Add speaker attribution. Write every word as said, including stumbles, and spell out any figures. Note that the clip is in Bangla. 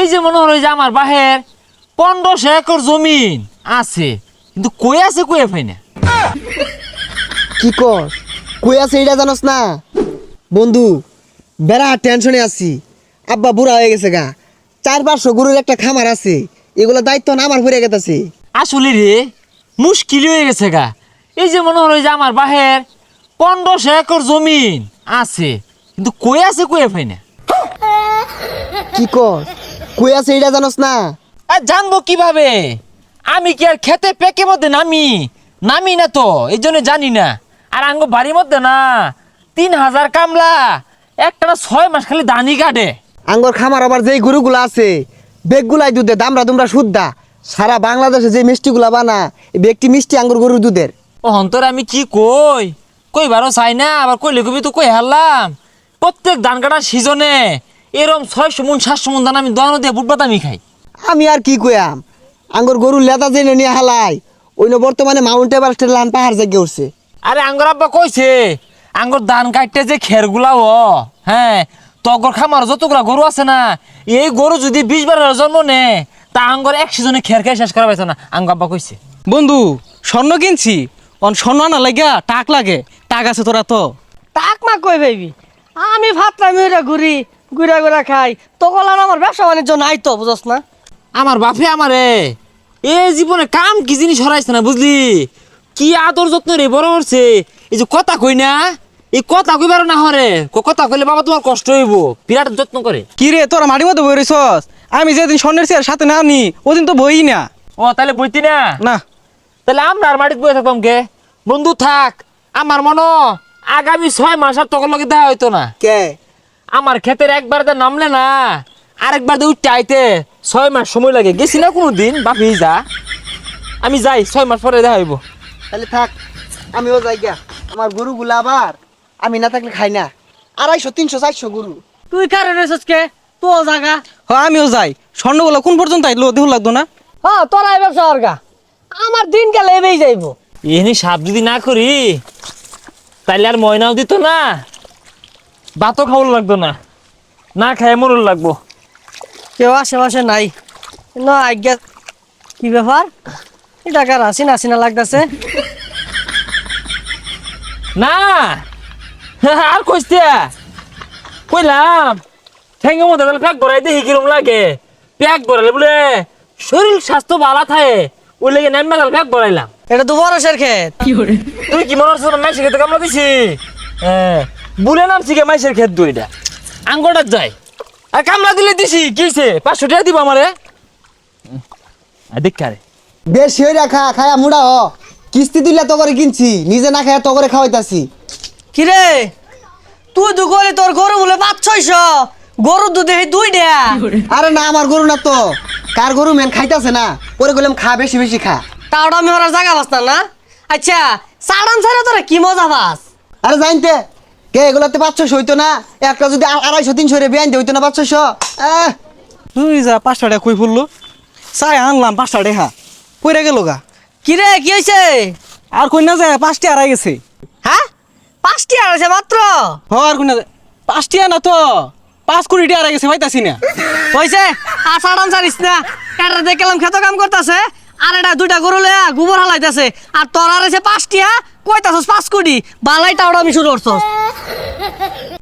Speaker 1: এই যে মনে হলো যে আমার বাহের পনেরোশো একর জমিন আছে, কিন্তু কই আছে কই পাই না।
Speaker 2: কি কর কই আছে এটা জানোস না বন্ধু? বেড়া টেনশনে আছি। আব্বা বুড়া হয়ে গেছে গা, চার পাঁচশো গরুর একটা খামার আছে, এগুলো দায়িত্ব না আমার পড়ে গেছে।
Speaker 1: আসলে রে মুশকিল হয়ে গেছে গা। এই যে মনে হলো যে আমার বাহের পনেরোশো একর জমিন আছে, কিন্তু কই আছে কই পাই না।
Speaker 2: কি কর কই আছে এটা জানোস না?
Speaker 1: আর জানবো কিভাবে? আমি কি আর খেতে পেকে মধ্যে নামি নামি না তো, এই জন্য জানি না। আর আঙ্গ বাড়ির মধ্যে না তিন হাজার কামলা একটা না ছয় মাস খালি দানি কাটে।
Speaker 2: আঙ্গর খামার আবার যেই গরুগুলো আছে বেগগুলাই দুধে দামরা দুমরা শুদ্ধা। সারা বাংলাদেশে যে মিষ্টিগুলা বানা এই বেগটি মিষ্টি আঙ্গুর গরুর দুধের।
Speaker 1: ও হন্তর আমি কি কই কইবারও চাই না, আবার কইলে কবি তো কই হারলাম। প্রত্যেক ধান কাটার সিজনে এরম ছয়শো মন সাতশো মন ধান আমি দোকানো দিয়ে বুট বাদামি খাই।
Speaker 2: আমি আর কি কইয়াম, আঙ্গর গরুর লেদা জেনে নিয়ে হালাই ওই বর্তমানে মাউন্ট এভারেস্টের লান পাহাড় জেগে উঠছে।
Speaker 1: আরে আঙ্গর আব্বা কইছে আঙ্গর ধান কাটতে যে খেরগুলা ও হ্যাঁ তগর খামার যতগুলা গরু আছে না, এই গরু যদি বিশ বারের জন্ম নে তা আঙ্গর এক সিজনে খের খেয়ে শেষ করা পাইছে না, আঙ্গ আব্বা কইছে।
Speaker 3: বন্ধু স্বর্ণ কিনছি, অন স্বর্ণ আনা লাগা টাক লাগে, টাক আছে তোরা তো?
Speaker 4: তাক মা কই ভাইবি, আমি ভাতলাম ওইটা ঘুরি ঘুরা ঘুরা খাই, তখন আর আমার ব্যবসা বাণিজ্য নাই তো, বুঝস না?
Speaker 1: আমার বাপে আমারে এ জীবনে কাম কি জিনিস হরাইছে না, বুঝলি? কি আদর যত্ন রে বড় করছে। এই যে কথা কই না, এই কথা কইবার না হরে, ক- কথা কইলে বাবা তোমার কষ্ট হইব, বিরাট যত্ন করে।
Speaker 3: কি রে তোরা মাটির মধ্যে বই রইছস? আমি যেদিন স্বর্ণের চেয়ার সাথে না নি ওদিন তো বই না।
Speaker 1: ও তাহলে বইতি না?
Speaker 3: না
Speaker 1: তাহলে আমরা আর মাটিতে বসে থাকতাম কে? বন্ধু থাক, আমার মনে আগামী ছয় মাস আর তখন লগে দেখা হইতো না।
Speaker 2: কে
Speaker 1: আমার ক্ষেতের একবার তো নামলে না আরেকবার তো উঠতে আইতে ছয় মাস সময় লাগে। গেছি না কোনো দিন বাপি যা, আমি যাই ছয় মাস পরে দেখা হইব।
Speaker 2: তাহলে থাক, আমিও যাই গা। আমার গরুগুলা আবার আমি না থাকলে খাই না, আড়াইশো তিনশো চারশো গরু।
Speaker 4: তুই কারে রয়েছিস কে? তো জাগা
Speaker 3: হ আমিও যাই। স্বর্ণগুলো কোন পর্যন্ত আইলো দেহ লাগতো না?
Speaker 4: হ্যাঁ তোরাই ব্যবসা অর্গা, আমার দিন গেলে এবেই যাইব।
Speaker 1: এনে সাপ যদি না করি তাইলে আর ময়নাও দিত না, ভাতও খাওয়ার লাগতো না, না খায় মরুর লাগবো।
Speaker 4: কেউ আশেপাশে নাই না আজ্ঞা। কি ব্যাপার, এটা কার হাসিনা হাসিনা লাগতেছে?
Speaker 1: না আর কইতে কইলাম ঠেঙ্গের মধ্যে তাহলে প্যাক ভরাই দেখি কিরম লাগে। প্যাক ভরালে বলে শরীর স্বাস্থ্য ভালো থাকে, ওই লেগে নামে গেল প্যাক ভরাইলাম।
Speaker 4: এটা তো বরসের ক্ষেত।
Speaker 1: তুই কি মনে হচ্ছে মাইসের খেতে কামলা দিছি? হ্যাঁ বুলে নামছি কে মাইসের খেত দুইটা আঙ্গটার যায় আর কামলা দিলে দিছি কিছে পাঁচশো টাকা দিব আমারে দেখ রে।
Speaker 2: বেশি হয়ে রাখা খায়া মুড়া হ, কিস্তি দিলে তো করে কিনছি, নিজে না খায়া তো করে খাওয়াইতাছি।
Speaker 4: কিরে তুই দু করে তোর গরু বলে পাঁচ ছয়শ, গরু দুধে দুই ডেয়া।
Speaker 2: আরে না আমার গরু না তো, কার গরু মেন খাইতাছে না, পরে বললাম খা বেশি বেশি খা।
Speaker 4: তাওটা আমি ওরা জায়গা বাস না। আচ্ছা সাড়ান ছাড়া তোরা কি মজা পাস?
Speaker 2: আরে জানতে কে এগুলাতে পাঁচশো হইতো না, একটা যদি আ- আড়াইশো তিনশো রে বেআইন হইতো না পাঁচশো। আহ
Speaker 3: তুই যা পাঁচটা টাকা কই পড়লো, চাই আনলাম পাঁচটা টাকা কইরা গেল গা।
Speaker 4: কিরে কি হয়েছে?
Speaker 3: আর কই না যায় পাঁচটি আড়াই গেছে।
Speaker 4: হ্যাঁ পাঁচটি আছে মাত্র?
Speaker 3: হ আর কই না যায় পাঁচটি না তো পাঁচ কোটি টাকা আড়াই গেছে পাইতাছি না।
Speaker 4: হয়েছে আর সাড়ান ছাড়িস না, কাটা দেখলাম খেত কাম করতেছে আর এটা দুইটা গরু লয়া গোবর হালাইতেছে, আর তোর আর আছে পাঁচটি, হ্যাঁ কইতাছস পাঁচ কোটি বালাই টাওটা আমি শুরু করছস।